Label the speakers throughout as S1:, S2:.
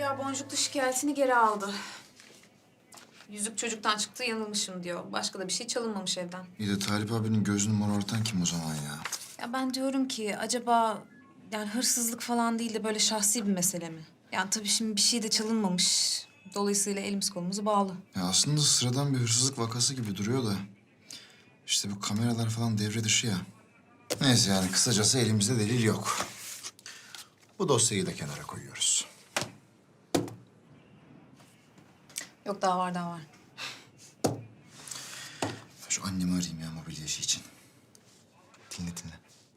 S1: Zeliha boncuklu şikayetini geri aldı. Yüzük çocuktan çıktı, yanılmışım diyor. Başka da bir şey çalınmamış evden.
S2: İyi de Talip abinin gözünü morartan kim o zaman ya?
S1: Ya ben diyorum ki acaba yani hırsızlık falan değil de böyle şahsi bir mesele mi? Yani tabii şimdi bir şey de çalınmamış. Dolayısıyla elimiz kolumuz bağlı.
S2: Ya aslında sıradan bir hırsızlık vakası gibi duruyor da... ...işte bu kameralar falan devre dışı ya. Neyse yani kısacası elimizde delil yok. Bu dosyayı da kenara koyuyoruz.
S1: Yok daha var.
S2: Şu annemi arayayım ya mobilya işi için. Dinle.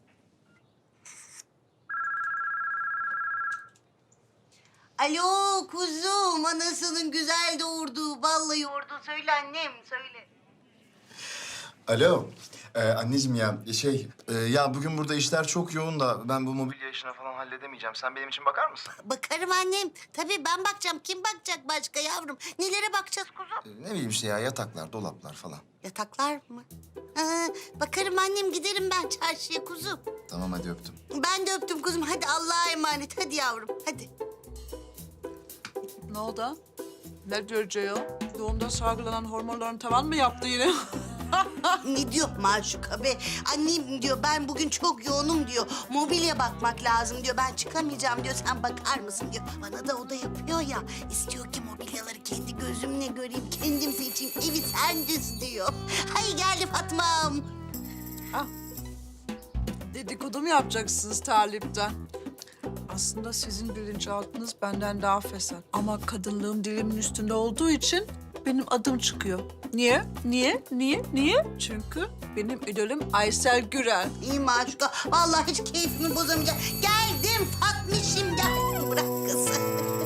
S3: Alo kuzum, anasının güzel doğurduğu, balla yoğurdu. Söyle annem, söyle.
S2: Alo. Anneciğim ya bugün burada işler çok yoğun da ben bu mobilya işini falan halledemeyeceğim. Sen benim için bakar mısın?
S3: Bakarım annem. Tabii ben bakacağım. Kim bakacak başka yavrum? Nelere bakacağız kuzum?
S2: Ne bileyim işte ya yataklar, dolaplar falan.
S3: Yataklar mı? Ha, bakarım annem, giderim ben çarşıya kuzum.
S2: Tamam hadi öptüm.
S3: Ben de öptüm kuzum. Hadi Allah'a emanet. Hadi yavrum, hadi.
S4: Ne oldu? Ne diyor Ceyhun? Doğumda salgılanan hormonların tavan mı yaptı yine?
S3: Ne diyor Maşuka be? Annem diyor, ben bugün çok yoğunum diyor. Mobilya bakmak lazım diyor. Ben çıkamayacağım diyor. Sen bakar mısın diyor. Bana da o da yapıyor ya. İstiyor ki mobilyaları kendi gözümle göreyim, kendim seçeyim. Evi sen düz diyor. Hay geldi Fatma'm.
S4: Dedikodu mu yapacaksınız Talip'ten? Aslında sizin bilinçaltınız benden daha fesat. Ama kadınlığım dilimin üstünde olduğu için benim adım çıkıyor. Niye? Çünkü benim idolüm Aysel Gürel.
S3: İyi Maşuka. Vallahi hiç keyfimi bozamayacağım. Geldim Fatmişim, geldim. Bırak kızı.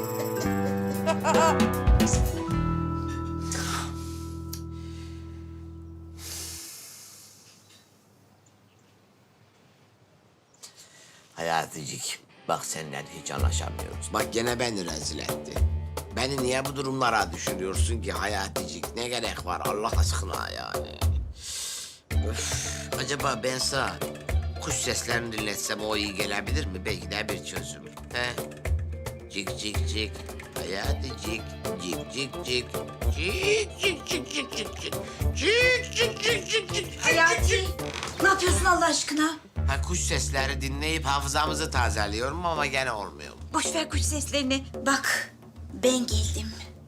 S5: Hayaticik, bak seninle hiç anlaşamıyoruz. Bak gene beni rezil etti. Beni niye bu durumlara düşürüyorsun ki Hayaticik? Ne gerek var Allah aşkına yani? Öf, acaba ben sana kuş seslerini dinletsem o iyi gelebilir mi? Belki de bir çözüm. He? Cik cik cik, Hayaticik, cik cik cik. Cik cik cik cik cik cik. Cik cik cik cik cik.
S6: Hayati, ne yapıyorsun Allah aşkına?
S5: Ha, kuş sesleri dinleyip hafızamızı tazeliyorum ama gene olmuyor.
S6: Boş ver kuş seslerini. Bak, ben geldim.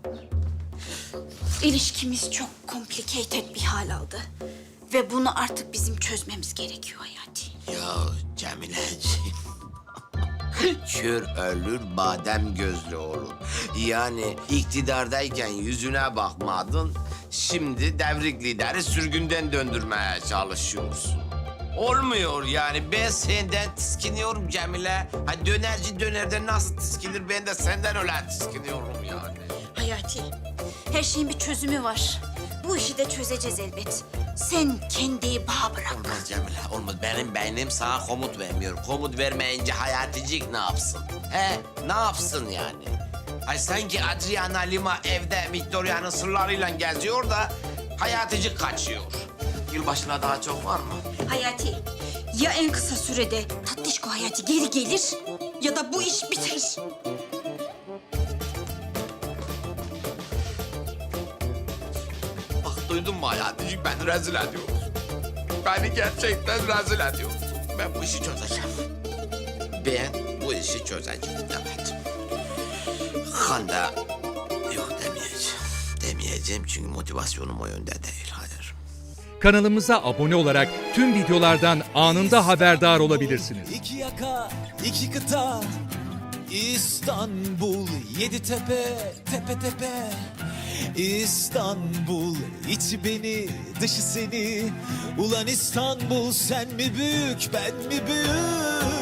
S6: İlişkimiz çok complicated bir hal aldı. Ve bunu artık bizim çözmemiz gerekiyor Hayati.
S5: Ya Cemileciğim. Kör ölür, badem gözlü olur. Yani iktidardayken yüzüne bakmadın, şimdi devrik lideri sürgünden döndürmeye çalışıyorsun. Olmuyor yani. Ben senden tiskiniyorum Cemile. Ha dönerci dönerde nasıl tiskinir, ben de senden öyle tiskiniyorum yani.
S6: Hayati, her şeyin bir çözümü var. Bu işi de çözeceğiz elbet. Sen kendiyi bana bırak.
S5: Olmaz Cemile, olmaz. Benim beynim sana komut vermiyor. Komut vermeyince Hayaticik ne yapsın? He, ne yapsın yani? Ay sanki Adriana Lima evde Victoria'nın sırlarıyla geziyor da Hayaticik kaçıyor. Yılbaşına daha çok var mı?
S6: Hayati, ya en kısa sürede Tatlışko Hayati geri gelir ya da bu iş biter.
S5: Bak duydun mu Hayaticik, beni rezil ediyorsun. Beni gerçekten rezil ediyorsun. Ben bu işi çözeceğim. Ben bu işi çözeceğim, evet. Hande yok demeyeceğim. Demeyeceğim çünkü motivasyonum o yönde değil, hayır.
S7: Kanalımıza abone olarak tüm videolardan anında haberdar olabilirsiniz.
S8: İki yaka, iki kıta, İstanbul, yedi tepe, tepe tepe. İstanbul, içi beni, dışı seni. Ulan İstanbul, sen mi büyük, ben mi büyük?